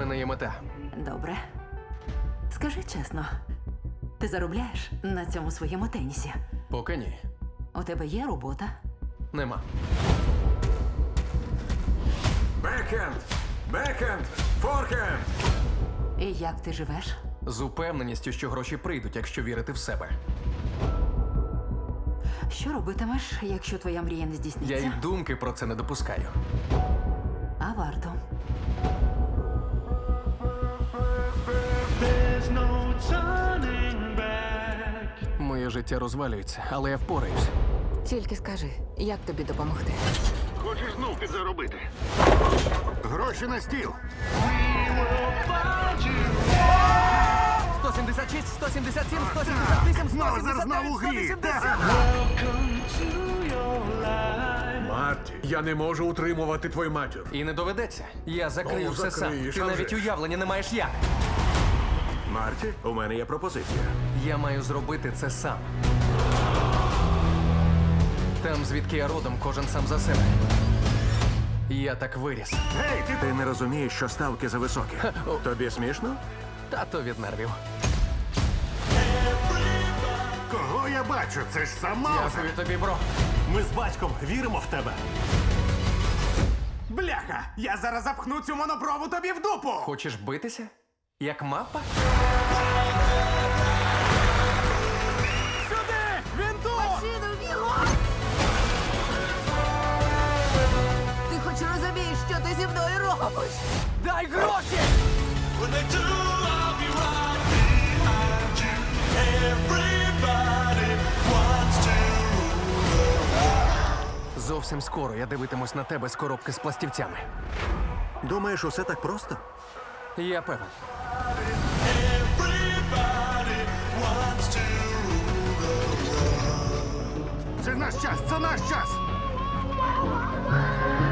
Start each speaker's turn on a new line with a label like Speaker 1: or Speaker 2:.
Speaker 1: мене є мета.
Speaker 2: Добре. Скажи чесно, ти заробляєш на цьому своєму тенісі?
Speaker 1: Поки ні.
Speaker 2: У тебе є робота?
Speaker 1: Нема.
Speaker 3: Бекхенд! Бекхенд! Форхенд!
Speaker 2: І як ти живеш?
Speaker 1: З упевненістю, що гроші прийдуть, якщо вірити в себе.
Speaker 2: Що робитимеш, якщо твоя мрія не
Speaker 1: Я
Speaker 2: здійсниться?
Speaker 1: й думки про це не допускаю.
Speaker 2: А варто.
Speaker 4: There's no turning back.
Speaker 1: Моє життя розвалюється, але я впораюсь.
Speaker 5: Тільки скажи, як тобі допомогти?
Speaker 6: Хочеш знов підзаробити? Гроші на стіл.
Speaker 1: 176, 177, 178,
Speaker 6: Знову
Speaker 1: 179,
Speaker 6: знову гріх.
Speaker 1: 180.
Speaker 4: Welcome to your life.
Speaker 3: Марті, я не можу утримувати твою матір.
Speaker 1: І не доведеться. Я закрию
Speaker 3: Ну,
Speaker 1: все сам.
Speaker 3: закриєш,
Speaker 1: Ти
Speaker 3: а
Speaker 1: навіть
Speaker 3: вже ж.
Speaker 1: уявлення не маєш як.
Speaker 3: Марті, у мене є пропозиція.
Speaker 1: Я маю зробити це сам. Там, звідки я родом, кожен сам за себе. Я так виріс.
Speaker 3: Гей, ти не розумієш, що ставки зависокі. Тобі смішно?
Speaker 1: Тато від нервів.
Speaker 6: Кого я бачу? Це ж сам Маузер.
Speaker 1: Дякую тобі, бро.
Speaker 7: Ми з батьком віримо в тебе.
Speaker 8: Бляха! Я зараз запхну цю монопрову тобі в дупу!
Speaker 1: Хочеш битися? Як мапа?
Speaker 8: Сюди! Він тут!
Speaker 5: Ти хоч розумієш, що ти зі мною робиш?
Speaker 1: Дай гроші!
Speaker 4: When they do, I'll be right behind you. Everybody wants to.
Speaker 1: Зовсім скоро я дивитимусь на тебе з коробки з пластівцями.
Speaker 3: Думаєш, усе так просто?
Speaker 1: Я певен.
Speaker 4: Everybody wants to.
Speaker 6: Це наш час, це наш час.